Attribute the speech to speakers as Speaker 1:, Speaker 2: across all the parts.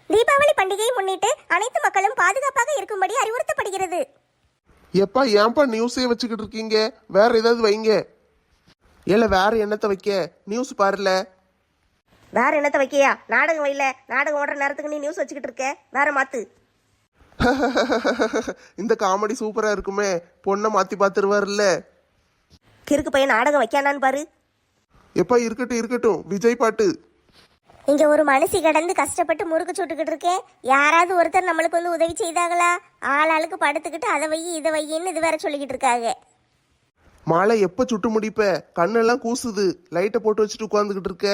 Speaker 1: தீபாவளி பண்டிகையை முன்னிட்டு அனைத்து மக்களும் பாதுகாப்பாக இருக்கும்படி அறிவுறுத்தப்படுகிறது.
Speaker 2: எப்பா ஏன்பா நியூஸே வச்சுக்கிட்டு இருக்கீங்க? வேற ஏதாவது வைங்க. இல்ல வேற என்னத்தை வைக்க? நியூஸ் பாருல.
Speaker 1: வேற என்னத்த வைக்கியா? நாடகம் வைல. நாடகம் ஓடுற நேரத்துக்கு நீ நியூஸ் வச்சுக்கிட்டு இருக்க. வேற மாத்து.
Speaker 2: இந்த காமெடி சூப்பரா இருக்குமே. பொண்ணை மாத்தி பாத்துருவாருல்ல.
Speaker 1: கிறுக்கு பையன் நாடகம் வைக்கானான்னு பாரு.
Speaker 2: எப்பா இருக்கட்டும் இருக்கட்டும், விஜய் பாட்டு.
Speaker 1: இங்க ஒரு மனுஷி கடந்து கஷ்டப்பட்டு முறுக்கு சுட்டுக்கிட்டு இருக்கேன். யாராவது ஒருத்தர் நம்மளுக்கு வந்து உதவி செய்தாங்களா? ஆளாளுக்கு படுத்துக்கிட்டு அதை வை இதை வையின்னு இது வேற சொல்லிக்கிட்டு இருக்காங்க.
Speaker 2: மாலை எப்ப சுட்டு முடிப்ப? கண்ணெல்லாம் கூசுது. லைட்டை போட்டு வச்சுட்டு உட்காந்துக்கிட்டு இருக்க.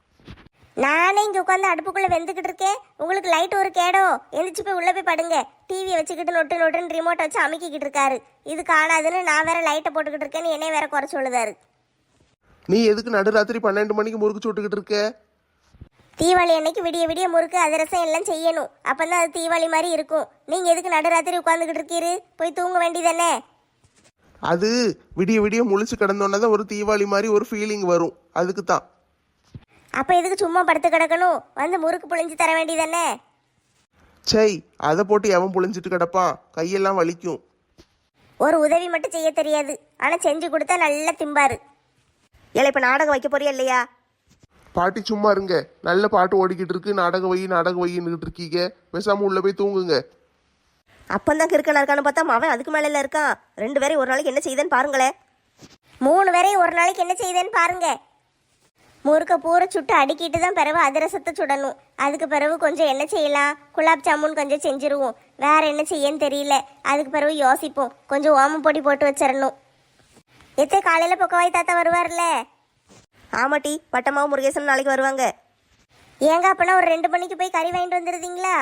Speaker 1: நானே இங்க உட்காந்து அடுப்புக்குள்ள வெந்துக்கிட்டு இருக்கேன். உங்களுக்கு லைட் ஒரு கேடோ? எந்திரிச்சு போய் உள்ள போய் படுங்க. டிவியை வச்சுக்கிட்டு நொட்டு நொட்டுன்னு ரிமோட்டை வச்சு அமைக்கிக்கிட்டு இருக்காரு. இது காணாதுன்னு நான் வேற லைட்டை போட்டுக்கிட்டு இருக்கேன்னு என்னைய வேற குறை சொல்லுதாரு.
Speaker 2: நீ எதுக்கு நடுராத்திரி 12 மணிக்கு முறுக்கு சுட்டுக்கிட்டு இருக்க?
Speaker 1: தீபாவளி அன்னைக்கு விடிய விடிய முறுக்கு அதிரசம் எல்லாம் செய்யணும். அப்பந்தான் அது தீபாவளி மாதிரி இருக்கும். நீங்க எதுக்கு நடுராத்திரி உட்காந்துக்கிட்டு இருக்கீரு? போய் தூங்க வேண்டியதானே.
Speaker 2: அது விடிய விடிய முழிச்சு கிடந்தோன்னே தான் ஒரு தீபாவளி மாதிரி ஒரு ஃபீலிங் வரும். அதுக்கு தான்.
Speaker 1: அப்ப எதுக்கு சும்மா படுத்து கிடக்கணும்? வந்து முறுக்கு புழிஞ்சு தர வேண்டியதானே.
Speaker 2: சை, அதை போட்டு எவன் புழிஞ்சிட்டு கிடப்பான்? கையெல்லாம் வலிக்கும்.
Speaker 1: ஒரு உதவி மட்டும் செய்ய தெரியாது, ஆனா செஞ்சு கொடுத்தா நல்லா திம்பாரு. ஏல இப்ப நாடகம் வைக்க போறியா இல்லையா?
Speaker 2: பாட்டி சும்மா இருங்க. நல்ல பாட்டு ஓடிக்கிட்டு இருக்கு. நாடகம் வையின்னு இருக்கீங்க. பேசாம உள்ள போய் தூங்குங்க.
Speaker 1: அப்பந்தான் கிறுக்கனா இருக்கான்னு பார்த்தா அவன் அதுக்கு மேல இருக்கான். 2 பேரையும் ஒரு நாளைக்கு என்ன செய்தேன்னு பாருங்களேன். 3 பேரையும் ஒரு நாளைக்கு என்ன செய்தேன்னு பாருங்க. முறுக்க பூரை சுட்டு அடுக்கிட்டு தான் பிறகு அதிரசத்தை சுடணும். அதுக்கு பிறகு கொஞ்சம் என்ன செய்யலாம்? குலாப் ஜாமுன் கொஞ்சம் செஞ்சுருவோம். வேற என்ன செய்யன்னு தெரியல. அதுக்கு பிறகு யோசிப்போம். கொஞ்சம் ஓமம் பொடி போட்டு வச்சிடணும். எத்தே காலையில பொக்கவாய் தாத்தா வருவார்ல? ஆமாட்டி, பட்டமாவும் முருகேசன் நாளைக்கு வருவாங்க. ஏங்க அப்பனா ஒரு 2 மணிக்கு போய் கறி வாங்கிட்டு வந்துடுறீங்களா?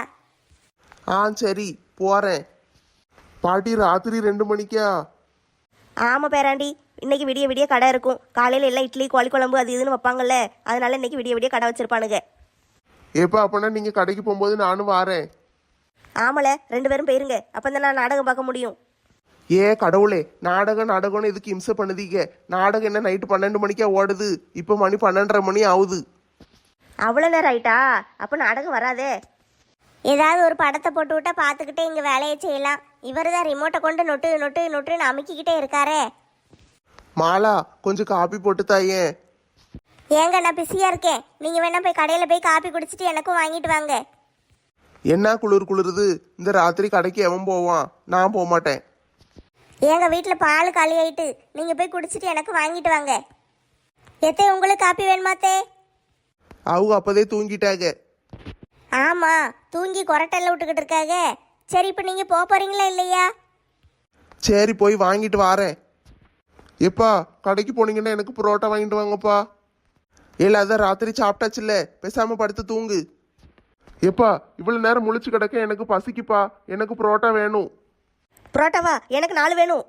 Speaker 2: சரி போறேன். பாட்டி ராத்திரி 2 மணிக்கா?
Speaker 1: ஆமா பேராண்டி, இன்னைக்கு விடிய விடிய கடை இருக்கும். காலையில எல்லாம் இட்லி கோழி குழம்பு அது இதுன்னு வைப்பாங்கல்ல, அதனால இன்னைக்கு விடிய விடிய கடை வச்சிருப்பானுங்க.
Speaker 2: ஏப்பா அப்பனா நீங்க கடைக்கு போகும்போது நானும் வாரேன்.
Speaker 1: ஆமல 2 பேரும் போயிருங்க. அப்பதான் நான் நாடகம் பார்க்க முடியும்.
Speaker 2: கடவுளே, நாடகம்னு இதுக்கு இம்சை பண்ணுதீங்க. நாடகம் என்ன நைட்டு 12 மணிக்கா ஓடுது? இப்போ மணி 12:30 மணி ஆகுது.
Speaker 1: அவ்வளோ நேரம் ஆயிட்டா? அப்போ நாடகம் வராதே. ஏதாவது ஒரு படத்தை போட்டு விட்டா பார்த்துக்கிட்டே இங்கே வேலையை செய்யலாம். இவர் தான் ரிமோட்டை கொண்டு நொட்டு நொட்டு நொட்டுன்னு அமுக்கிக்கிட்டே இருக்காரே.
Speaker 2: மாலா கொஞ்சம் காப்பி போட்டு தாயேன்.
Speaker 1: ஏங்க நான் பிஸியாக இருக்கேன். நீங்கள் வேணா போய் கடையில் போய் காப்பி குடிச்சிட்டு எனக்கும் வாங்கிட்டு வாங்க.
Speaker 2: என்ன குளிருது? இந்த ராத்திரி கடைக்கு எவன் போவான்? நான் போக மாட்டேன்.
Speaker 1: ஏங்க வீட்டில் பால் காலி ஆயிட்டு, நீங்கள் போய் குடிச்சிட்டு எனக்கு வாங்கிட்டு வாங்க. எத்தே உங்களுக்கு காப்பி வேணுமாத்தே?
Speaker 2: அவங்க அப்பதே தூங்கிட்டாங்க.
Speaker 1: ஆமாம், தூங்கி கொரட்டெல்லாம் விட்டுக்கிட்டு இருக்காங்க. சரி, இப்போ நீங்கள் போக போகிறீங்களா இல்லையா?
Speaker 2: சரி போய் வாங்கிட்டு வாரேன். எப்பா கடைக்கு போனீங்கன்னா எனக்கு புரோட்டா வாங்கிட்டு வாங்கப்பா. இல்ல அதான் ராத்திரி சாப்பிட்டாச்சுல்ல, பேசாம படுத்து தூங்கு. எப்பா இவ்வளவு நேரம் முழிச்சு கிடக்க, எனக்கு பசிக்குப்பா. எனக்கு புரோட்டா வேணும்.
Speaker 1: புரோட்டாவா? எனக்கு 4 வேணும்.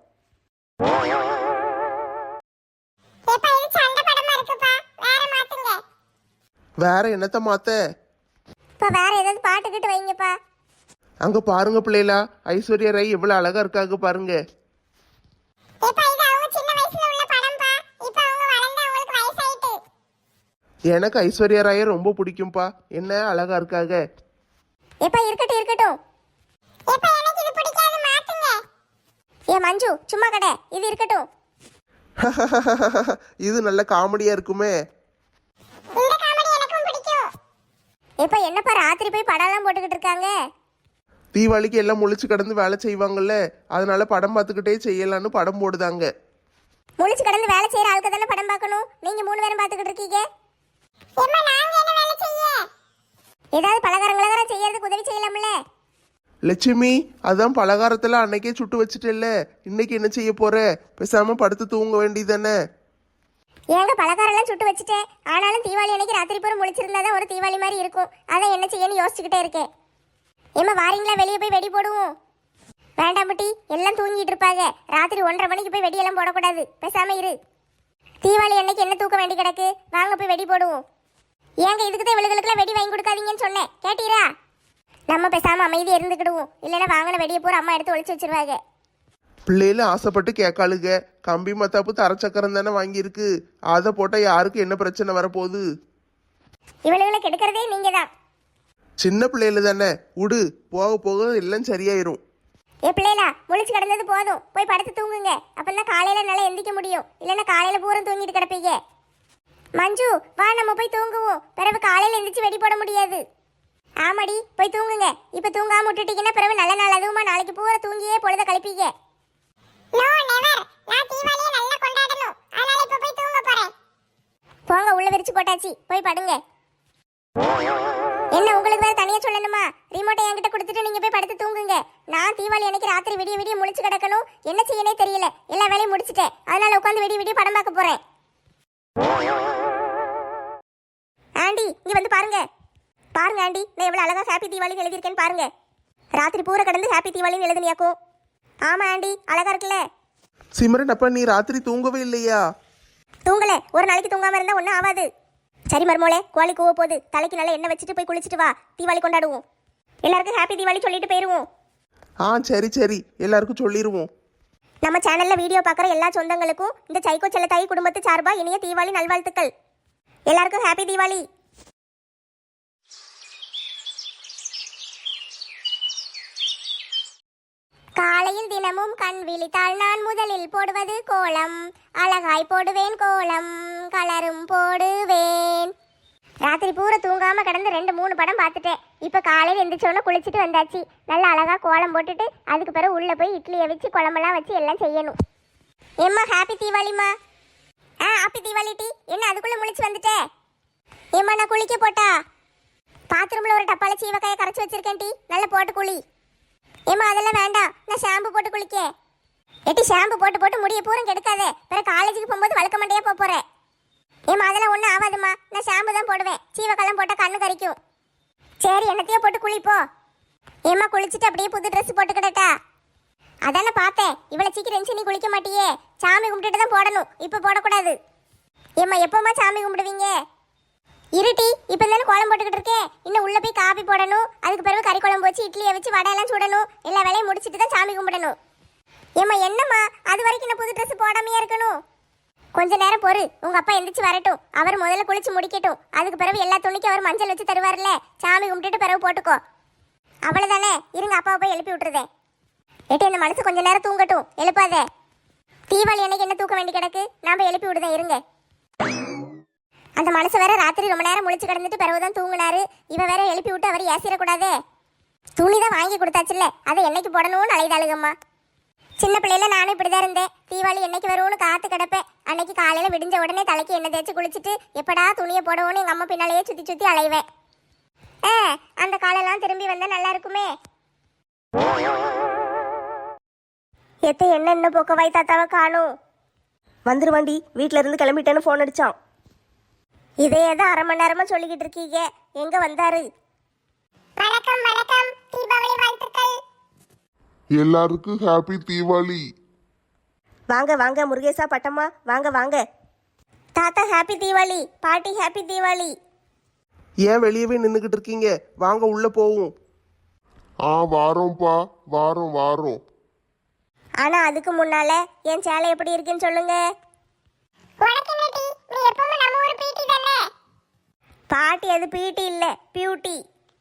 Speaker 2: வேற என்னத்த மாத்த?
Speaker 1: வேற ஏதாவது பாட்டுக்கிட்டு வைங்கப்பா.
Speaker 2: அங்க பாருங்க பிள்ளைகளா, ஐஸ்வர்யா ராய் எவ்வளவு அழகா இருக்காங்க பாருங்க. எனக்கு ஐஸ்வர்யா ராய ரொம்ப பிடிக்கும்பா. என்ன அழகா இருக்காங்க.
Speaker 1: இருக்கட்டும். ஏ மஞ்சு சும்மா கடை, இது இருக்கட்டும்.
Speaker 2: இது நல்ல காமெடியா இருக்குமே.
Speaker 1: என்னப்பா ராத்திரி போய் படம்லாம் போட்டுக்கிட்டு இருக்காங்க?
Speaker 2: தீபாவளிக்கு எல்லாம் முழிச்சு கிடந்து வேலை செய்வாங்கல்ல, அதனால படம் பார்த்துக்கிட்டே செய்யலான்னு படம் போடுதாங்க.
Speaker 1: முழிச்சு கிடந்து வேலை செய்யற ஆளுக்கு தானே படம் பார்க்கணும். நீங்க 3 பேரும் பார்த்துக்கிட்டு இருக்கீங்க. ஏதாவது பலகாரங்களா செய்யறதுக்கு உதவி செய்யலாம்ல?
Speaker 2: லட்சுமி, அதான் பலகாரத்துல அன்னைக்கே சுட்டு வச்சுட்டேல்ல, இன்னைக்கு என்ன செய்ய போற? பேசாம படுத்து தூங்க வேண்டியதானே.
Speaker 1: ஏங்க பலகாரம்லாம் சுட்டு வச்சுட்டேன். ஆனாலும் தீபாவளி அன்னைக்கு ராத்திரி பூரா முழிச்சிருந்தாதான் ஒரு தீபாவளி மாதிரி இருக்கும். அதான் என்ன செய்யன்னு யோசிச்சுக்கிட்டே இருக்கேன். ஏமா வாரீங்களா? வெளியே போய் வெடி போடுவோம். வேண்டாம் முட்டி, எல்லாம் தூங்கிட்டு இருப்பாங்க. ராத்திரி 1:30 மணிக்கு போய் வெடியெல்லாம் போடக்கூடாது. பேசாம இரு. தீபாவளி அன்னைக்கு என்ன தூக்க வேண்டி கிடக்கு? வாங்க போய் வெடி போடுவோம். ஏங்க இதுக்கு தான் இவளுகளுக்குலாம் வெடி வாங்கி கொடுக்காதீங்கன்னு சொன்னேன், கேட்டீரா? நம்ம பேசாம அமைதியா இருந்துக்கிடுவோம். இல்லைன்னா வாங்கின வெடியை பூரா அம்மா எடுத்து ஒளிச்சு வச்சிருவாங்க.
Speaker 2: பிள்ளைல ஆசைப்பட்டு கேட்காளுங்க. கம்பி மத்தாப்பு தரச்சக்கரம் தானே வாங்கியிருக்கு. அதை போட்டால் யாருக்கு என்ன பிரச்சனை வரப்போகுது?
Speaker 1: இவளுகளை கெடுக்கிறதே நீங்க தான்.
Speaker 2: சின்ன பிள்ளைல தானே விடு, போக போக எல்லாம் சரியாயிரும்.
Speaker 1: ஏ பிள்ளைகளா, முழிச்சு கிடந்தது போதும், போய் படுத்து தூங்குங்க. அப்பதான் காலையில நல்லா எந்திக்க முடியும். இல்லைன்னா காலையில பூரம் தூங்கிட்டு கிடப்பீங்க. மஞ்சு வா, நம்ம போய் தூங்குவோம். பிறகு காலையில எந்திரிச்சு வெடி போட முடியாது. ஆமாடி, போய் தூங்குங்க. இப்ப தூங்காம விட்டுட்டீங்கன்னா பிறகு நல்ல நாள் அதுவுமா நாளைக்கு பூரா தூங்கியே பொழுத கழிப்பீங்க. போங்க, உள்ள விரிச்சு போட்டாச்சு, போய் படுங்க. என்ன உங்களுக்கு வேற தனியா சொல்லணுமா? ரிமோட்டை என்கிட்ட கொடுத்துட்டு நீங்க போய் படுத்து தூங்குங்க. நான் தீபாவளி அன்னைக்கு ராத்திரி விடிய விடிய முழிச்சு கிடக்கணும். என்ன செய்யனே தெரியல. எல்லா வேலையும் முடிச்சிட்டேன். அதனால உட்காந்து விடிய விடிய படம் பார்க்க போறேன். ஆண்டி, இங்க வந்து பாருங்க. பாருங்க ஆண்டி, நான் எவ்வளவு அழகா ஹாப்பி தீபாவளி எழுதியிருக்கேன்னு பாருங்க. ராத்திரி பூரா கடந்து ஹாப்பி தீபாவளின்னு எழுதுனியாக்கும். ஆமா ஆண்டி, அழகா இருக்குல்ல.
Speaker 2: சிம்ரன், அப்ப நீ ராத்திரி தூங்கவே இல்லையா?
Speaker 1: தூங்கல. ஒரு நாளைக்கு தூங்காம இருந்தா ஒன்றும் ஆகாது. சரி மருமோளே, கோழி கூவ போகுது. தலைக்கு நல்லா எண்ணெய் வச்சுட்டு போய் குளிச்சுட்டு வா. தீபாவளி கொண்டாடுவோம். எல்லாருக்கும் ஹாப்பி தீபாவளி சொல்லிட்டு போயிருவோம்.
Speaker 2: சரி சரி, எல்லாருக்கும் சொல்லிடுவோம்.
Speaker 1: நம்ம சேனல்ல வீடியோ பார்க்குற எல்லா சொந்தங்களுக்கும் இந்த சைக்கோ செல்லத்தாயி குடும்பத்து சார்பா இனிய தீபாவளி நல்வாழ்த்துக்கள். எல்லாருக்கும் ஹாப்பி தீபாவளி. காலையில் தினமும் கண் விழித்தால் நான் முதலில் போடுவது கோலம். அழகாய் போடுவேன் கோலம், கலரும் போடுவேன். ராத்திரி பூரா தூங்காம கிடந்து 2-3 படம் பார்த்துட்டேன். இப்போ காலையில் எந்திரிச்சோன்னு குளிச்சுட்டு வந்தாச்சு. நல்லா அழகா கோலம் போட்டுட்டு அதுக்கு பிறகு உள்ள போய் இட்லியை வச்சு குழம்பெல்லாம் வச்சு எல்லாம் செய்யணும். ஏம்மா ஹாப்பி தீபாவளிமா. ஹாப்பி தீபாவளி டீ. என்ன அதுக்குள்ள முழிச்சு வந்துட்டே? ஏம்மா நான் குளிக்க போட்டா? பாத்ரூம்ல ஒரு டப்பால சீவக்காயை கரைச்சி வச்சிருக்கேன் டீ, நல்லா போட்டு குளி. ஏம்மா அதெல்லாம் வேண்டாம், நான் ஷாம்பு போட்டு குளிக்க. எட்டி ஷாம்பு போட்டு போட்டு முடிய பூரம் கெடுக்காதே, பிறகு காலேஜுக்கு போகும்போது வழுக்க மண்டையா போறேன். ஏம்மா அதெல்லாம் ஒன்றும் ஆகாதுமா, நான் ஷாம்பு தான் போடுவேன். சீவக்காலம் போட்டால் கண்ணு கறிக்கும். சரி, என்னத்தையோ போட்டு குளிப்போ. ஏம்மா குளிச்சுட்டு அப்படியே புது ட்ரெஸ் போட்டுக்கிட்டா? அதானே பார்த்தேன். இவ்வளோ சீக்கிரம் இருந்துச்சு நீ குளிக்க மாட்டியே. சாமி கும்பிட்டுட்டு தான் போடணும், இப்போ போடக்கூடாது. ஏம்மா எப்போம்மா சாமி கும்பிடுவீங்க? இருட்டி, இப்போ தானே கோலம் போட்டுக்கிட்டு இருக்கேன். இன்னும் உள்ள போய் காபி போடணும். அதுக்கு பிறகு கறி குழம்பு வச்சு இட்லியை வச்சு வடையெல்லாம் சுடணும். எல்லா வேலையும் முடிச்சுட்டு தான் சாமி கும்பிடணும். ஏம்மா என்னம்மா அது வரைக்கும் நான் புது ட்ரெஸ் போடாமையே இருக்கணும்? கொஞ்ச நேரம் பொறு, உங்க அப்பா எந்திரிச்சு வரட்டும். அவர் முதல்ல குளிச்சு முடிக்கட்டும். அதுக்கு பிறகு எல்லா துணிக்கும் அவர் மஞ்சள் வச்சு தருவார்ல, சாமி கும்பிட்டுட்டு பிறகு போட்டுக்கோ. அவ்வளவுதானே, இருங்க அப்பாவை போய் எழுப்பி விட்டுருதேன். ஏட்டி அந்த மனசு கொஞ்ச நேரம் தூங்கட்டும், எழுப்பாதே. தீபாவளி அன்னைக்கு என்ன தூக்க வேண்டி கிடக்கு, நான் போய் எழுப்பி விடுதேன், இருங்க. அந்த மனசு வேற ராத்திரி ரொம்ப நேரம் முழிச்சு கிடந்துட்டு பிறகுதான் தூங்கினாரு. இவ வேற எழுப்பி விட்டு அவர் ஏசிடக்கூடாதே. துணிதான் வாங்கி கொடுத்தாச்சுல்ல, அதை என்னைக்கு போடணும்னு அலைதாளுங்கம்மா. சின்ன பிள்ளையில நானும் இப்படிதான் இருந்தேன். தீபாவளி என்னைக்கு வரும்னு காத்து கிடப்பேன். அன்னைக்கு காலையில விடிஞ்ச உடனே தலைக்கு எண்ணெய் தேய்ச்சி குளிச்சுட்டு எப்படா துணியை போடுவோன்னு எங்க அம்மா பின்னாலேயே சுத்தி சுத்தி அலைவேன். அந்த காலெல்லாம் திரும்பி வந்தா நல்லா இருக்குமே. எத்த என்ன பொக்கவாய் தாத்தாவை காணும்.
Speaker 3: வந்துருவாண்டி, வீட்டில இருந்து கிளம்பிட்டேன்னு ஃபோன் அடிச்சான்.
Speaker 1: இதே தான் 1/2 மணி நேரமா சொல்லிக்கிட்டு இருக்கீங்க. எங்க வந்தாரு? வணக்கம் வணக்கம், தீபாவளி வாழ்த்துக்கள்.
Speaker 2: எல்லாருக்கும் ஹாப்பி தீபாவளி.
Speaker 3: வாங்க வாங்க முருகேசா பட்டம்மா, வாங்க வாங்க.
Speaker 1: தாத்தா ஹாப்பி தீபாவளி, பாட்டி ஹாப்பி தீபாவளி.
Speaker 2: ஏன் வெளியவே நின்றுக்கிட்டு இருக்கீங்க? வாங்க உள்ள போவோம். வாரோம்ப்பா, வாரோம் வாரோம்.
Speaker 1: ஆனா அதுக்கு முன்னால என் சேலை எப்படி இருக்குன்னு சொல்லுங்க. பாட்டி அது பீட்டி இல்ல, பியூட்டி.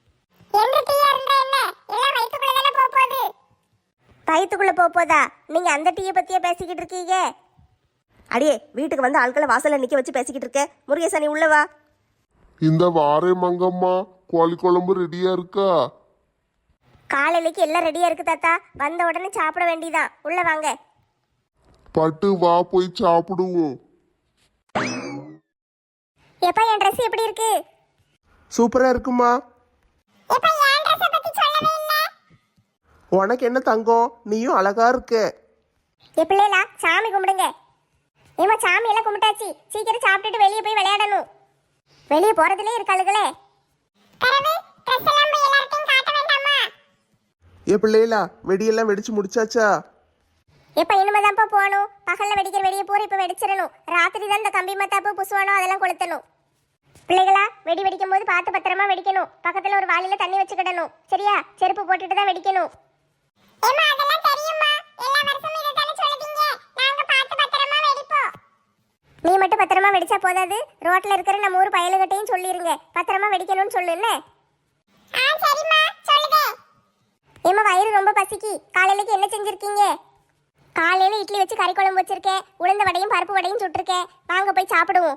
Speaker 1: வயிற்றுக்குள்ள போதா? நீங்க அந்த டீயை பத்தியே பேசிக்கிட்டு இருக்கீங்க.
Speaker 3: அடியே, வீட்டுக்கு வந்து ஆட்களை வாசல்ல நிக்க வச்சு பேசிக்கிட்டு இருக்க. முருகேசா நீ உள்ள வா.
Speaker 2: இந்த வாரே மங்கம்மா, கோழி குழம்பு ரெடியா இருக்கா?
Speaker 1: காலையிலக்கு எல்லாம் ரெடியா இருக்கு தாத்தா. வந்த உடனே சாப்பிட வேண்டியதான். உள்ள வாங்க.
Speaker 2: பட்டு வா, போய் சாப்பிடுவோம்.
Speaker 1: எப்பா என் ட்ரெஸ் எப்படி இருக்கு?
Speaker 2: சூப்பரா இருக்குமா. உனக்கு என்ன தங்கம், நீயும் அழகா இருக்க.
Speaker 1: எப்படியா சாமி கும்பிடுங்க. ஏமா சாமி எல்லாம் கும்பிட்டாச்சு, சீக்கிரம் சாப்பிட்டுட்டு வெளியே போய் விளையாடணும். வெளியே போறதுலயே இருக்காளுகளே.
Speaker 2: பிள்ளைகளா, வெடியெல்லாம் வெடிச்சு முடிச்சாச்சா?
Speaker 1: எப்ப இனிமேதான்ப்பா போகணும். பகல்ல வெடிக்கிற வெடியை பூரா இப்ப வெடிச்சிடணும். ராத்திரி தான் இந்த கம்பி மத்தாப்பு புசுவானோ அதெல்லாம் கொளுத்தணும். பிள்ளைகளா, வெடி வெடிக்கும் போது பார்த்து பத்திரமா வெடிக்கணும். பக்கத்துல ஒரு வாளியில தண்ணி வச்சுக்கிடணும், சரியா? செருப்பு போட்டுட்டு தான் வெடிக்கணும். நீ மட்டும் பத்திரமா வெடிச்சா போதாது, ரோட்ல இருக்கிற நம்ம ஊர் பயலுகிட்டையும் சொல்லிருங்க, பத்திரமா வெடிக்கணும்னு சொல்லுன்னு. ஏமா வயிறு ரொம்ப பசிக்கு. காலையிலக்கு என்ன செஞ்சிருக்கீங்க? காலையில இட்லி வச்சு கறி குழம்பு வச்சிருக்கேன். உளுந்த வடையும் பருப்பு வடையும் சுட்டிருக்கேன். வாங்க போய் சாப்பிடுவோம்.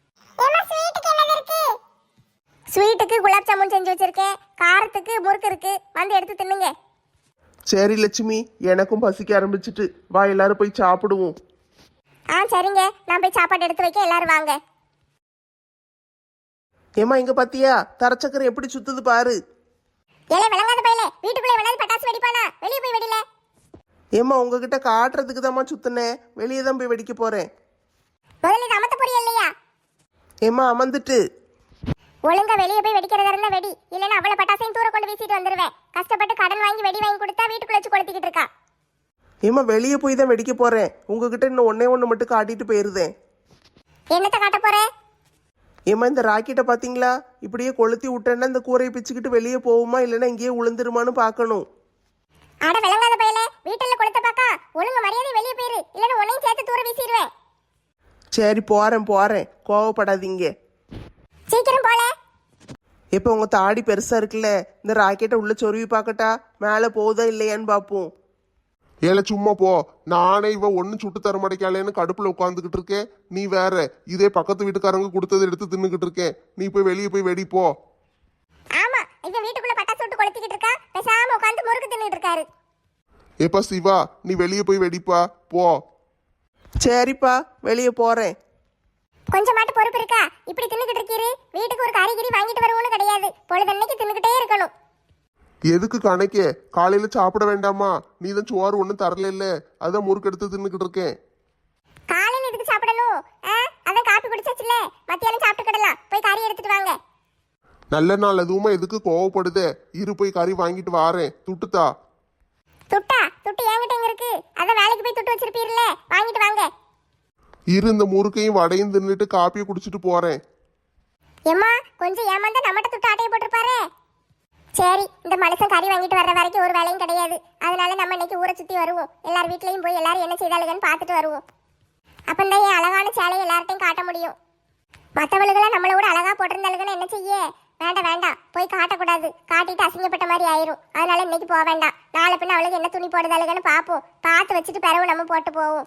Speaker 1: ஸ்வீட்டுக்கு குலாப் ஜாமுன் செஞ்சு வச்சிருக்கேன். காரத்துக்கு முறுக்கு இருக்கு. வந்து எடுத்து தின்னுங்க.
Speaker 2: சரி லட்சுமி, எனக்கும் பசிக்க ஆரம்பிச்சிட்டு, வா எல்லாரும் போய் சாப்பிடுவோம்.
Speaker 1: சரிங்க, நான் போய் சாப்பாடு எடுத்து வைக்க. எல்லாரும் வாங்க.
Speaker 2: ஏமா இங்க பாத்தியா தரச்சக்கரை எப்படி சுத்துது பாரு.
Speaker 1: ஏலே விளங்காத பையலே, வீட்டுக்குள்ளே வேணாலும் பட்டாசு வெடிப்பானா? வெளியே போய் வெடில.
Speaker 2: ஏமா உங்ககிட்ட காட்டுறதுக்கு தாம்மா சுத்தினேன், வெளியே தான் போய் வெடிக்க போறேன்.
Speaker 1: முதல்ல இது அமத்த பொரிய இல்லையா?
Speaker 2: ஏமா அமர்ந்துட்டு.
Speaker 1: ஒழுங்கா வெளியே போய் வெடிக்கிறதா இருந்தா வெடி, இல்லைன்னா அவளை பட்டாசையும் தூர கொண்டு வீசிட்டு வந்துருவேன். கஷ்டப்பட்டு கடன் வாங்கி வெடி வாங்கி கொடுத்தா வீட்டுக்குள்ள வச்சு கொளுத்திக்கிட்டு இருக்கா.
Speaker 2: ஏமா வெளியே போய் தான் வெடிக்க போறேன், உங்ககிட்ட இன்னும் ஒண்ணு மட்டும் காட்டிட்டு போயிருந்தேன்.
Speaker 1: என்னத்த காட்ட போற?
Speaker 2: ஏமா இந்த ராக்கெட்டை பாத்தீங்களா? இப்படியே கொளுத்தி விட்டேன்னா இந்த கூரையை பிச்சுக்கிட்டு வெளியே போகுமா இல்லைன்னா இங்கேயே உளுந்துருமான்னு பார்க்கணும்.
Speaker 1: அட விளங்காத பையலே, வீட்டுல கொளுத்த பாக்கா. ஒழுங்கு மரியாதை வெளியே போயிரு, இல்லைன்னா உன்னையும் சேர்த்து தூர வீசிடுவேன்.
Speaker 2: சரி போறேன், கோவப்படாதீங்க.
Speaker 1: சீக்கிரம் போல.
Speaker 2: இப்போ உங்க தாடி பெருசா இருக்குல்ல, இந்த ராக்கெட்டை உள்ள சொருவி பார்க்கட்டா, மேலே போகுதா இல்லையான்னு பார்ப்போம்.
Speaker 4: ஏல சும்மா போ. நானே இவ ஒன்னும் சுட்டு தர மாட்டேக்காலேன்னு கடுப்புல உட்காந்துக்கிட்டு இருக்கேன். நீ வேற இதே பக்கத்து வீட்டுக்காரங்க கொடுத்ததை எடுத்து தின்னுக்கிட்டு இருக்கேன். நீ போய் வெளியே போய் வெடி போ.
Speaker 1: ஆமா, இவன் வீட்டுக்குள்ள பட்டாசு விட்டு கொளுத்திக்கிட்டு இருக்கா. பேசாம உட்காந்து முறுக்கு தின்னுட்டு இருக்காரு.
Speaker 4: ஏப்பா சிவா, நீ வெளியே போய் வெடிப்பா போ.
Speaker 2: சரிப்பா, வெளியே போறேன்.
Speaker 1: கொஞ்சம் மாட்டு பொறுப்பு இருக்கா? இப்படி தின்னுக்கிட்டு இருக்கீரு. வீட்டுக்கு ஒரு காய்கறி வாங்கிட்டு வருவோன்னு கிடையாது. பொழுதன்னைக்கு தின்னுக்கிட்டே இருக்கணும்.
Speaker 4: எதுக்கு கணக்கே? காலையில சாப்பிட வேண்டாமா? நீ தான் சோறு ஒன்றும் தரல இல்ல, அதான் முறுக்கு எடுத்து தின்னுக்கிட்டு இருக்கேன்.
Speaker 1: காலையில எதுக்கு சாப்பிடணும்? அதான் காப்பி குடிச்சாச்சுல, மத்தியானம் சாப்பிட்டுக்கிடலாம். போய் கறி எடுத்துட்டு வாங்க.
Speaker 4: நல்ல நாள் அதுவுமா எதுக்கு கோவப்படுதே? இரு போய் கறி வாங்கிட்டு வாரேன். துட்டுத்தா.
Speaker 1: துட்டு என்கிட்ட எங்க இருக்கு? அதான் வேலைக்கு போய் துட்டு வச்சிருப்பீர்ல, வாங்கிட்டு வாங்க.
Speaker 4: இரு இந்த முறுக்கையும் வடையும் தின்னுட்டு காப்பியை குடிச்சிட்டு போறேன்.
Speaker 1: ஏம்மா, கொஞ்சம் ஏமாந்தா நம்மகிட்ட துட்டு ஆட்டையை போட்டிருப்பாரு. சரி, இந்த மனுஷன் கறி வாங்கிட்டு வர்ற வரைக்கும் ஒரு வேலையும் கிடையாது. அதனால நம்ம இன்னைக்கு ஊரை சுத்தி வருவோம். எல்லார் வீட்லயும் போய் எல்லாரும் என்ன செய்தாளுங்கன்னு பார்த்துட்டு வருவோம். அப்பந்தான் என் அழகான சேலையை எல்லார்ட்டையும் காட்ட முடியும். மற்றவளுக்கெல்லாம் நம்மளை விட அழகா போட்டிருந்தாளுங்கன்னு என்ன செய்ய? வேண்டாம், போய் காட்டக்கூடாது. காட்டிட்டு அசிங்கப்பட்ட மாதிரி ஆயிரும். அதனால இன்னைக்கு போக வேண்டாம். நாளை பின்ன அவளுக்கு என்ன துணி போடுதாளுங்கன்னு பார்ப்போம். பார்த்து வச்சுட்டு பிறகு நம்ம போட்டு போவோம்.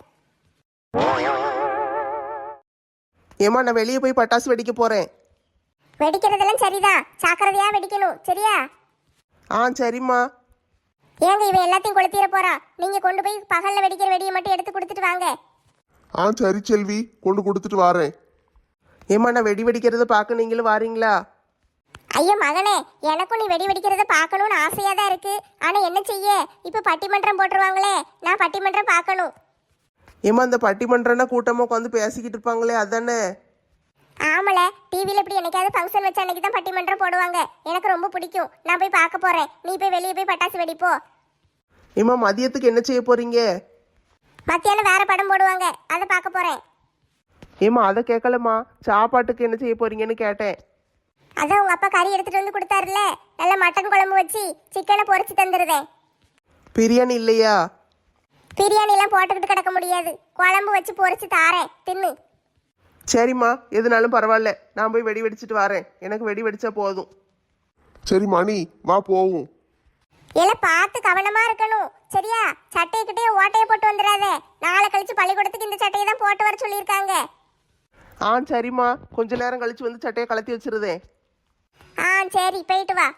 Speaker 2: ஏமா நான் வெளியே போய் பட்டாசு வெடிக்க போறேன்.
Speaker 1: வெடிக்கிறதெல்லாம் சரிதான், ஜாக்கிரதையா வெடிக்கணும். சரியா?
Speaker 2: சரிம்மா.
Speaker 1: ஏங்க இவன் எல்லாத்தையும் கொளுத்திட போறான். நீங்க கொண்டு போய் பகல்ல வெடிக்கிற வெடியை மட்டும் எடுத்து கொடுத்துட்டு வாங்க.
Speaker 4: சரி செல்வி, கொண்டு கொடுத்துட்டு வாரேன்.
Speaker 2: ஏமா நான் வெடி வெடிக்கிறத பார்க்க நீங்களும் வாரீங்களா?
Speaker 1: ஐயோ மகனே, எனக்கும் நீ வெடி வெடிக்கிறத பார்க்கணும்னு ஆசையா தான் இருக்கு. ஆனா என்ன செய்ய, இப்ப பட்டிமன்றம் போட்டுருவாங்களே, நான் பட்டிமன்றம் பார்க்கணும்.
Speaker 2: ஏமா இந்த பட்டிமன்றம்னா கூட்டமா உட்காந்து பேசிக்கிட்டு இருப்பாங்களே, அதானே?
Speaker 1: ஆமல, டிவில இப்படி என்னைக்காவது ஃபங்க்ஷன் வச்ச அன்னைக்கு தான் பட்டிமன்றம் போடுவாங்க. எனக்கு ரொம்ப பிடிக்கும். நான் போய் பார்க்க போறேன். நீ போய் வெளியே போய் பட்டாசு வெடிப்போ.
Speaker 2: ஏமா மதியத்துக்கு என்ன செய்ய போறீங்க?
Speaker 1: மத்தியானம் வேற படம் போடுவாங்க, அதை பார்க்க போறேன்.
Speaker 2: ஏமா அதை கேட்கலம்மா, சாப்பாட்டுக்கு என்ன செய்ய போறீங்கன்னு கேட்டேன்.
Speaker 1: அதான் உங்க அப்பா கறி எடுத்துட்டு வந்து கொடுத்தாருல, நல்ல மட்டன் குழம்பு வச்சு சிக்கனை பொரிச்சு தந்துருவேன்.
Speaker 2: பிரியாணி இல்லையா?
Speaker 1: பிரியாணி எல்லாம் போட்டுக்கிட்டு கிடக்க முடியாது. குழம்பு வச்சு பொரிச்சு தாரேன், தின்னு.
Speaker 2: சரிம்மா, எதுனாலும் பரவாயில்ல, நான் போய் வெடி வெடிச்சிட்டு வரேன். எனக்கு வெடி வெடிச்சா போதும்.
Speaker 4: சரி மணி, வா போவோம்.
Speaker 1: எல்லாம் பார்த்து கவனமா இருக்கணும். சரியா? சட்டைக்கிட்டே ஓட்டையை போட்டு வந்துடாத. நாளை கழிச்சு பள்ளிக்கூடத்துக்கு இந்த சட்டையை தான் போட்டு வர சொல்லியிருக்காங்க.
Speaker 2: சரிம்மா, கொஞ்ச நேரம் கழிச்சு வந்து சட்டையை கலத்தி வச்சிருதேன்.
Speaker 1: சரி, போயிட்டு வா.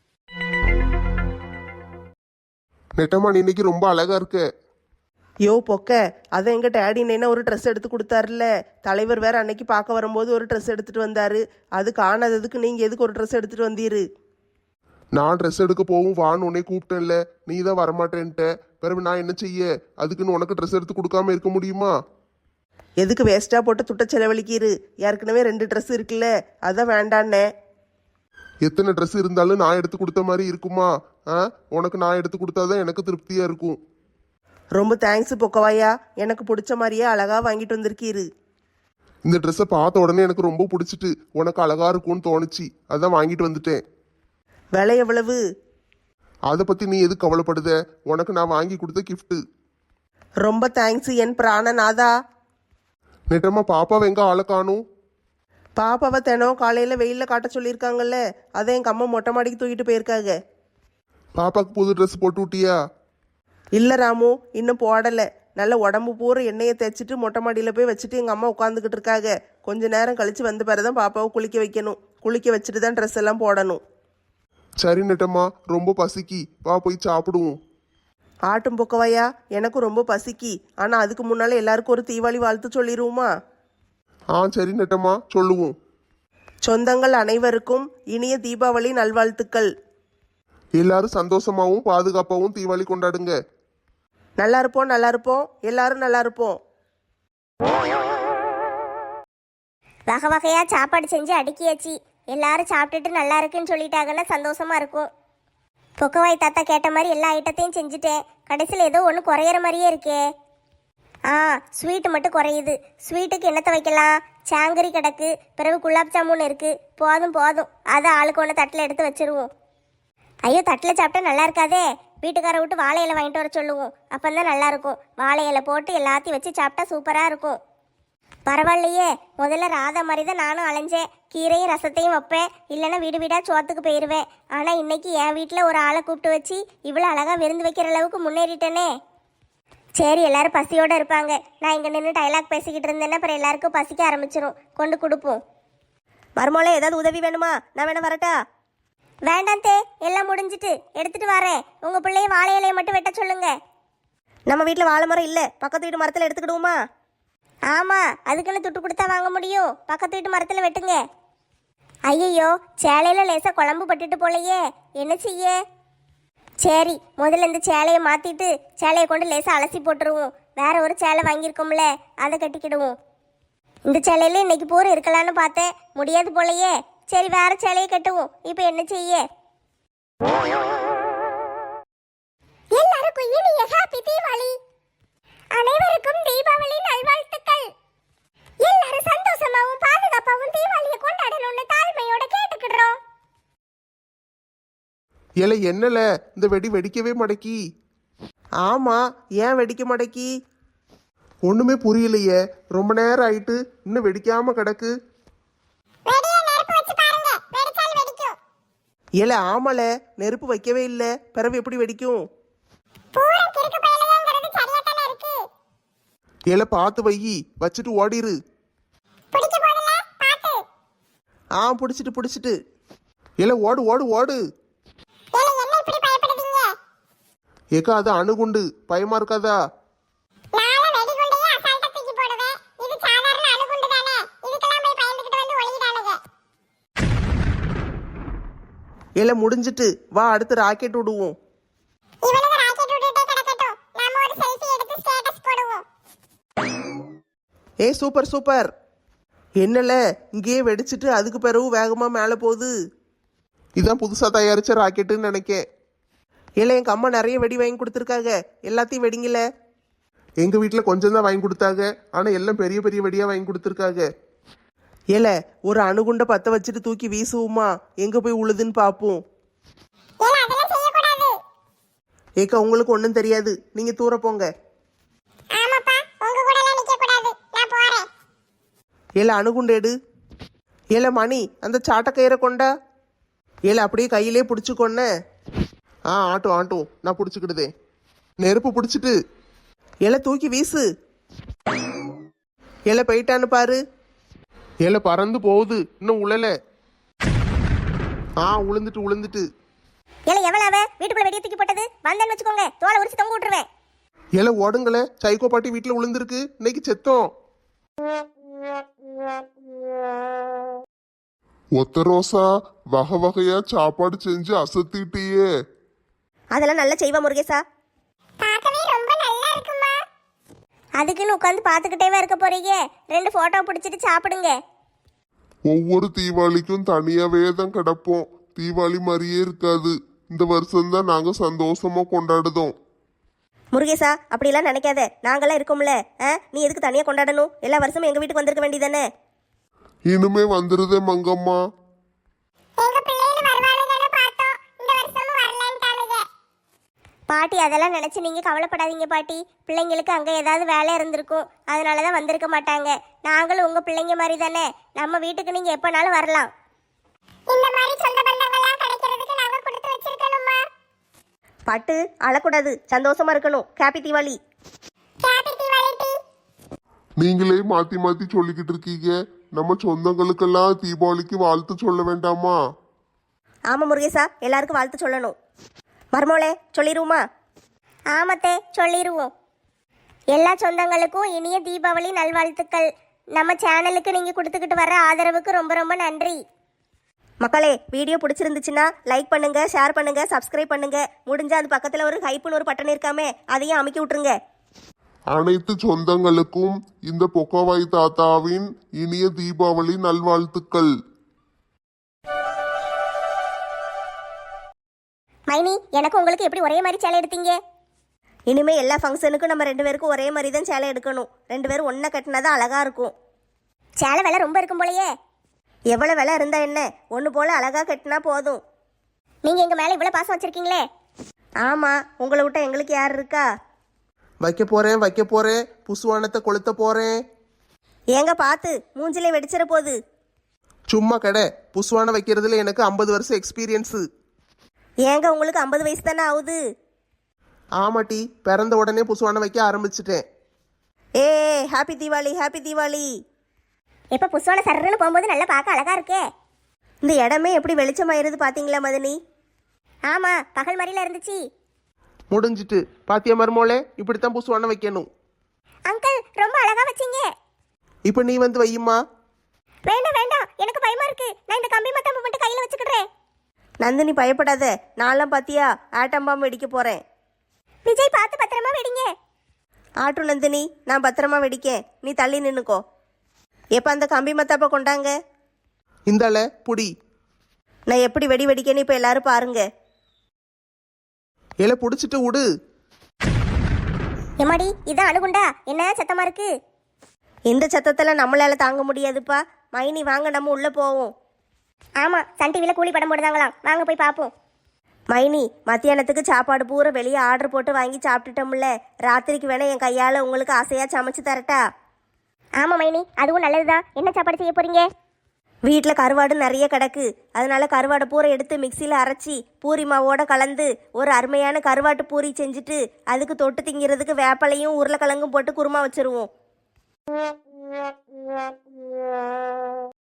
Speaker 4: நெட்டம்மா, நீ இன்னைக்கு ரொம்ப அழகா இருக்க.
Speaker 2: யோ பொக்க, அதை எங்க டேடி என்ன ஒரு ட்ரெஸ் எடுத்து கொடுத்தாருல்ல. தலைவர் வேற அன்னைக்கு பார்க்க வரும்போது ஒரு ட்ரெஸ் எடுத்துட்டு வந்தாரு. அது காணாததுக்கு நீங்க எதுக்கு ஒரு ட்ரெஸ் எடுத்துட்டு வந்தீரு?
Speaker 4: நான் ட்ரெஸ் எடுக்க போவும் வான்னு உன்னை கூப்பிட்டேன்ல, நீ தான் வரமாட்டேன்ட்ட. பிறகு நான் என்ன செய்ய? அதுக்குன்னு உனக்கு ட்ரெஸ் எடுத்து கொடுக்காம இருக்க முடியுமா?
Speaker 2: எதுக்கு வேஸ்டா போட்டு துட்ட செலவழிக்கிறு? ஏற்கனவே 2 ட்ரெஸ் இருக்குல்ல, அதான் வேண்டான்னே.
Speaker 4: எத்தனை ட்ரெஸ் இருந்தாலும் நான் எடுத்து கொடுத்த மாதிரி இருக்குமா? உனக்கு நான் எடுத்து கொடுத்தாதான் எனக்கு திருப்தியா இருக்கும்.
Speaker 2: ரொம்ப தேங்க்ஸ் பொக்கவாயா, எனக்கு பிடிச்ச மாதிரியே அழகா வாங்கிட்டு வந்திருக்கீரு.
Speaker 4: இந்த ட்ரெஸ்ஸை பார்த்த உடனே எனக்கு ரொம்ப பிடிச்சிட்டு உனக்கு அழகா இருக்கும்னு தோணுச்சு, அதான் வாங்கிட்டு வந்துட்டேன்.
Speaker 2: விலை எவ்வளவு?
Speaker 4: அதை பத்தி நீ எதுக்கு கவலைப்படுத? உனக்கு நான் வாங்கி கொடுத்த கிஃப்ட்.
Speaker 2: ரொம்ப தேங்க்ஸ் என் பிராணநாதா.
Speaker 4: நெட்டம்மா, பாப்பாவை எங்க ஆளை காணும்?
Speaker 5: பாப்பாவை தினம் காலையில் வெயிலில் காட்ட சொல்லியிருக்காங்கல்ல, அதை எங்கள் அம்மா மொட்டை மாடிக்கு தூக்கிட்டு போயிருக்காங்க.
Speaker 2: பாப்பாக்கு புது ட்ரெஸ் போட்டு விட்டியா?
Speaker 5: இல்லை ராமு, இன்னும் போடலை. நல்ல உடம்பு பூரா எண்ணெயை தேய்ச்சிட்டு மொட்டை மாடியில் போய் வச்சுட்டு எங்கள் அம்மா உட்காந்துக்கிட்டு இருக்காங்க. கொஞ்ச நேரம் கழித்து வந்த பிறகு தான் பாப்பாவை குளிக்க வைக்கணும். குளிக்க வச்சுட்டு தான் ட்ரெஸ் எல்லாம் போடணும்.
Speaker 2: சரி நெட்டம்மா, ரொம்ப பசிக்கி, வா போய் சாப்பிடுவோம்.
Speaker 5: ஆட்டும் பொக்கவையா, எனக்கும் ரொம்ப பசிக்கி. ஆனால் அதுக்கு முன்னால் எல்லாருக்கும் ஒரு தீபாவளி வாழ்த்து சொல்லிடுவோமா?
Speaker 2: சரி நெட்டம்மா, சொல்லுவோம்.
Speaker 5: சொந்தங்கள் அனைவருக்கும் இனிய தீபாவளி நல்வாழ்த்துக்கள்.
Speaker 2: எல்லாரும் சந்தோஷமாவும் பாதுகாப்பாவும் தீபாவளி கொண்டாடுங்க.
Speaker 5: நல்லா இருப்போம், நல்லா இருப்போம், எல்லாரும் நல்லா இருப்போம்.
Speaker 1: வகை வகையாக சாப்பாடு செஞ்சு அடுக்கியாச்சு. எல்லாரும் சாப்பிட்டுட்டு நல்லா இருக்குன்னு சொல்லிட்டாங்கன்னா சந்தோஷமா இருக்கும். பொக்கவாய் தாத்தா கேட்ட மாதிரி எல்லா ஐட்டத்தையும் செஞ்சுட்டேன். கடைசியில் ஏதோ ஒன்று குறையிற மாதிரியே இருக்கே. ஸ்வீட்டு மட்டும் குறையுது. ஸ்வீட்டுக்கு என்னத்தை வைக்கலாம்? சாங்கரி கிடக்கு, பிறகு குலாப் ஜாமுன் இருக்குது. போதும் போதும், அதை ஆளுக்கு ஒன்று தட்டில் எடுத்து வச்சிருவோம். ஐயோ, தட்டில் சாப்பிட்டா நல்லா இருக்காதே. வீட்டுக்காரை விட்டு வாழை இலை வாங்கிட்டு வர சொல்லுவோம். அப்போ தான் நல்லாயிருக்கும். வாழை இலை போட்டு எல்லாத்தையும் வச்சு சாப்பிட்டா சூப்பராக இருக்கும். பரவாயில்லையே, முதல்ல ராதா மாதிரி தான் நானும் அலைஞ்சேன். கீரையும் ரசத்தையும் வைப்பேன், இல்லைன்னா வீடு வீடாக சோத்துக்கு போயிடுவேன். ஆனால் இன்னைக்கு என் வீட்டில் ஒரு ஆளை கூப்பிட்டு வச்சு இவ்வளோ அழகாக விருந்து வைக்கிற அளவுக்கு முன்னேறிட்டேனே. சரி, எல்லாரும் பசியோடு இருப்பாங்க. நான் இங்கே நின்று டைலாக் பேசிக்கிட்டு இருந்தேன்னா அப்புறம் எல்லாருக்கும் பசிக்க ஆரம்பிச்சிடும். கொண்டு கொடுப்போம்.
Speaker 3: மருமோளே, ஏதாவது உதவி வேணுமா? நான் வேணா வரட்டா?
Speaker 1: வேண்டாம் தே, எல்லாம் முடிஞ்சிட்டு எடுத்துட்டு வரேன். உங்கள் பிள்ளைய வாழை இலையை மட்டும் வெட்ட சொல்லுங்க.
Speaker 3: நம்ம வீட்டில் வாழை மரம் இல்லை, பக்கத்து வீட்டு மரத்தில் எடுத்துக்கிடுவோமா?
Speaker 1: ஆமாம், அதுக்குன்னு துட்டு கொடுத்தா வாங்க முடியும். பக்கத்து வீட்டு மரத்தில் வெட்டுங்க. ஐயையோ, சேலையில் லேசாக குழம்பு பட்டுட்டு போலையே, என்ன செய்ய? சரி, முதல்ல இந்த சேலையை மாற்றிட்டு சேலையை கொண்டு லேசாக அலசி போட்டுருவோம். வேற ஒரு சேலை வாங்கியிருக்கோம்ல, அதை கட்டிக்கிடுவோம். இந்த சேலையில இன்னைக்கு பூரா இருக்கலான்னு பார்த்தேன், முடியாது போலையே. சரி, வேற சேலையை கட்டுவோம். இப்போ என்ன செய்ய? எல்லாருக்கும் இனிய ஹாப்பி தீபாவளி. அனைவருக்கும் தீபாவளி நல்வாழ்த்துக்கள். எல்லாரும் சந்தோஷமாவும் பாதுகாப்பாவும் தீபாவளியை கொண்டாடணும்னு தாழ்மையோட கேட்டுக்கிடுறோம்.
Speaker 2: ஏல என்னல இந்த வெடி வெடிக்கவே மடக்கி?
Speaker 5: ஆமாம், ஏன் வெடிக்க மாட்டேக்கி?
Speaker 2: ஒண்ணுமே புரியலையே. ரொம்ப நேரம் ஆயிட்டு இன்னும் வெடிக்காம கிடக்கு.
Speaker 5: ஏல ஆமால, நெருப்பு வைக்கவே இல்லை, பிறகு எப்படி வெடிக்கும்?
Speaker 2: ஏல பார்த்து வையி, வச்சுட்டு ஓடிரு.
Speaker 5: பிடிச்சிட்டு.
Speaker 2: ஏல ஓடு ஓடு ஓடு. ஏக்கா, அது அணுகுண்டு, பயமா இருக்காதா?
Speaker 5: ஏல முடிஞ்சிட்டு, வா அடுத்து ராக்கெட் விடுவோம். Super super. என்னல இங்கேயே வெடிச்சிட்டு அதுக்கு பிறகு வேகமா மேலே போகுது.
Speaker 2: இதான் புதுசா தயாரிச்ச ராக்கெட்டுன்னு நினைக்கேன்.
Speaker 5: ஏல எங்க அம்மா நிறைய வெடி வாங்கி கொடுத்துருக்காங்க, எல்லாத்தையும் வெடிங்கல.
Speaker 2: எங்க வீட்டுல கொஞ்சம் தான் வாங்கி கொடுத்தாங்க, ஆனா எல்லாம் பெரிய பெரிய வெடியா வாங்கி கொடுத்துருக்காங்க.
Speaker 5: ஏல ஒரு அணுகுண்டை பற்ற வச்சுட்டு தூக்கி வீசுவோமா? எங்க போய் உழுதுன்னு பார்ப்போம். ஏக்கா, உங்களுக்கு ஒன்றும் தெரியாது, நீங்க தூர போங்க. ஏல அணுகுண்டு எடு. ஏல மணி, அந்த சாட்டக்கயிறை கொண்டா. ஏல அப்படியே கையிலே பிடிச்சிக்கொன்ன.
Speaker 2: ஆட்டும் ஆட்டும், நான் பிடிச்சிக்கிடுதே. நெருப்பு பிடிச்சிட்டு.
Speaker 5: ஏல தூக்கி வீசு. ஏல போயிட்டான்னு பாரு.
Speaker 2: ஏல பறந்து போகுது, இன்னும் உழல. உளுந்துட்டு.
Speaker 1: ஏல எவ்வளவு வீட்டுக்குள்ள வெடிய தூக்கி போட்டது? வந்தேன்னு வச்சுக்கோங்க, தோலை உரிச்சு தொங்க விட்டுருவேன்.
Speaker 2: ஏல ஓடுங்களே, சைக்கோ பாட்டி வீட்டுல உளுந்திருக்கு, இன்னைக்கு செத்தோம்.
Speaker 4: ஒத்த ரோசா, வகை வகையா சாப்பாடு செஞ்சு அசத்திட்டியே.
Speaker 3: அதெல்லாம் நல்லா செய்வா முருகேசா.
Speaker 1: அதுக்குன்னு உட்காந்து பார்த்துக்கிட்டேவா இருக்க போறீங்க? 2 போட்டோ பிடிச்சிட்டு சாப்பிடுங்க.
Speaker 4: ஒவ்வொரு தீபாவளிக்கும் தனியாவே தான் கிடப்போம். தீபாவளி மாதிரியே இருக்காது. இந்த வருஷம்தான் நாங்க சந்தோஷமா கொண்டாடுதோம்.
Speaker 3: முருகேசா, அப்படிலாம் நினைக்காத, நாங்களாம் இருக்கோம்ல. நீ எதுக்கு தனியாக கொண்டாடணும்? எல்லா வருஷமும் எங்கள் வீட்டுக்கு வந்திருக்க வேண்டியதானே?
Speaker 4: இனிமே வந்துருதே மங்கம்மா.
Speaker 1: பாட்டி அதெல்லாம் நினைச்சு நீங்க கவலைப்படாதீங்க பாட்டி. பிள்ளைங்களுக்கு அங்க ஏதாவது வேலை இருந்திருக்கும், அதனாலதான் வந்திருக்க மாட்டாங்க. நாங்களும் உங்க பிள்ளைங்க மாதிரி தானே, நம்ம வீட்டுக்கு நீங்க எப்பனாலும் வரலாம்.
Speaker 3: இந்த மாதிரி சொந்த பந்தங்கள்லாம் கிடைக்கிறதுக்கு நாங்க கொடுத்து வச்சிருக்கணுமா?
Speaker 1: பட்டு அழக்கூடாது, சந்தோஷமா இருக்கணும். ஹாப்பி தீபாவளி.
Speaker 3: ஹாப்பி தீபாவளி டி.
Speaker 4: நீங்களே மாத்தி மாத்தி சொல்லிக்கிட்டு இருக்கீங்க. நம்ம சொந்தங்களுக்கெல்லாம் தீபாவளிக்கு வாழ்த்து சொல்ல வேண்டாமா?
Speaker 1: ஆமா முருகேசா, எல்லாருக்கும் வாழ்த்து சொல்லணும். மர்மோளே சொல்லிடுவோமா?
Speaker 3: ஆமத்தே சொல்லிடுவோம்.
Speaker 1: எல்லா சொந்தங்களுக்கும் இனிய தீபாவளி நல்வாழ்த்துக்கள். நம்ம சேனலுக்கு நீங்க கொடுத்துக்கிட்டு வர ஆதரவுக்கு ரொம்ப ரொம்ப நன்றி. மக்களே, வீடியோ பிடிச்சிருந்துச்சுன்னா லைக் பண்ணுங்க, ஷேர் பண்ணுங்க, சப்ஸ்கிரைப் பண்ணுங்க. முடிஞ்சா அது பக்கத்துல ஒரு ஹைப்புன்னு ஒரு பட்டன் இருக்காமே, அதையும் அமைக்கி விட்டுருங்க.
Speaker 4: அனைத்து சொந்தங்களுக்கும் இந்த பொக்கவாய் தாத்தாவின் இனிய தீபாவளி நல்வாழ்த்துக்கள்.
Speaker 1: மைனி, எனக்கு உங்களுக்கு எப்படி ஒரே மாதிரி சேலை எடுத்தீங்க? இனிமே எல்லா ஃபங்க்ஷனுக்கும் நம்ம 2 பேருக்கும் ஒரே மாதிரி தான் சேலை எடுக்கணும். 2 பேரும் ஒன்றா கட்டினாதான் அழகா இருக்கும். சேலை விலை ரொம்ப இருக்கும் போலயே. எவ்வளோ விலை இருந்தா என்ன, ஒன்று போல அழகா கட்டினா போதும். நீங்க எங்க மேல இவ்வளோ பாசம் வச்சிருக்கீங்களே. ஆமா, உங்களை விட்டா எங்களுக்கு யார் இருக்கா?
Speaker 2: வைக்க போறேன் புசுவானத்தை கொளுத்த போறேன்.
Speaker 1: ஏங்க பார்த்து, மூஞ்சிலே வெடிச்சிட போகுது.
Speaker 2: சும்மா கடை. புசுவான வைக்கிறதுல எனக்கு 50 வருஷம் எக்ஸ்பீரியன்ஸு.
Speaker 1: ஏங்க உங்களுக்கு 50 வயசு தானே ஆகுது?
Speaker 2: ஆமாட்டி, பிறந்த உடனே புசுவான வைக்க ஆரம்பிச்சிட்டேன்.
Speaker 1: ஏ ஹாப்பி தீபாவளி, ஹாப்பி தீபாவளி. எப்போ புஷ்வான சர்றன்னு போகும்போது நல்லா பார்க்க அழகா இருக்கே. இந்த இடமே எப்படி வெளிச்சமாயிருது பாத்தீங்களா மதனி? ஆமா, பகல் மாதிரில இருந்துச்சு.
Speaker 2: முடிஞ்சிட்டு பாத்தியா மருமோளே, இப்படித்தான் புசுவான வைக்கணும்.
Speaker 1: அங்கிள் ரொம்ப அழகா வச்சீங்க.
Speaker 2: இப்போ நீ வந்து வையுமா?
Speaker 1: வேண்டாம் வேண்டாம், எனக்கு பயமா இருக்கு. நான் இந்த கம்பி மத்தாப்பு மட்டும் கையில வச்சுக்கிறேன். நந்தினி பயப்படாத, நான்லாம் பாத்தியா ஆட்டம் பாம்பு வெடிக்க போறேன். விஜய் பார்த்து பத்திரமா வெடிங்க. ஆட்டு நந்தினி, நான் பத்திரமா வெடிக்கேன், நீ தள்ளி நின்னுக்கோ. எப்ப அந்த கம்பி மத்தாப்ப கொண்டாங்க.
Speaker 2: இந்தால புடி.
Speaker 1: நான் எப்படி வெடி வெடிக்கேன்னு இப்ப எல்லாரும் பாருங்க.
Speaker 2: இலை புடிச்சிட்டு விடு.
Speaker 1: எம்மாடி, இதான் அணுகுண்டா? என்ன சத்தமா இருக்கு? இந்த சத்தத்துல நம்மளால தாங்க முடியாதுப்பா. மைனி வாங்க, நம்ம உள்ள போவோம். ஆமா, சன் டிவில கூலி படம் போடுதாங்களாம், வாங்க போய் பாப்போம். மைனி, மத்தியானத்துக்கு சாப்பாடு பூரா வெளியே ஆர்டர் போட்டு வாங்கி சாப்பிட்டுட்டோம்ல. ராத்திரிக்கு வேணா என் கையால உங்களுக்கு ஆசையா சமைச்சு தரட்டா? ஆமா மைனி, அதுவும் நல்லதுதான். என்ன சாப்பாடு செய்ய போறீங்க? வீட்டில் கருவாடு நிறைய கிடக்கு, அதனால கருவாடை பூரா எடுத்து மிக்சியில் அரைச்சி பூரி மாவோட கலந்து ஒரு அருமையான கருவாட்டு பூரி செஞ்சுட்டு அதுக்கு தொட்டு திங்கிறதுக்கு வேப்பலையும் உருளைக்கிழங்கும் போட்டு குருமா வச்சிருவோம்.